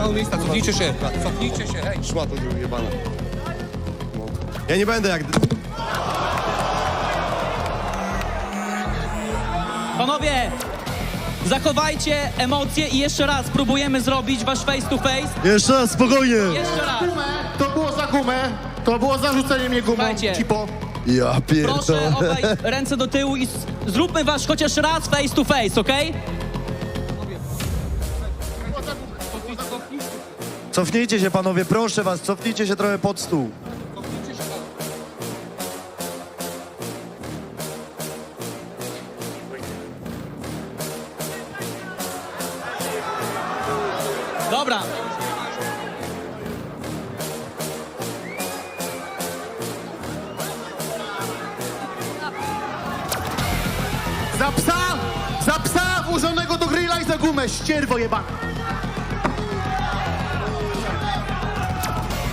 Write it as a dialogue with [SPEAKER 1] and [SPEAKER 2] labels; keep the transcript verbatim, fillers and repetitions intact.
[SPEAKER 1] mało miejsca, cofnijcie się, cofnijcie się, hej.
[SPEAKER 2] Szmato jebana. No. Ja nie będę jak...
[SPEAKER 3] Panowie, zachowajcie emocje i jeszcze raz próbujemy zrobić wasz face to face.
[SPEAKER 4] Jeszcze raz, spokojnie.
[SPEAKER 3] Jeszcze raz.
[SPEAKER 5] To było za gumę, to było za rzucenie mnie gumą,
[SPEAKER 3] Słuchajcie.
[SPEAKER 5] cipo.
[SPEAKER 4] Ja
[SPEAKER 3] Proszę
[SPEAKER 4] pierdolę.
[SPEAKER 3] obaj ręce do tyłu i s- zróbmy wasz chociaż raz face to face, okej?
[SPEAKER 4] Cofnijcie się, panowie, proszę was, cofnijcie się trochę pod stół.
[SPEAKER 3] Dobra.
[SPEAKER 5] Za psa, za psa włożonego do grilla i za gumę, ścierwo jebana.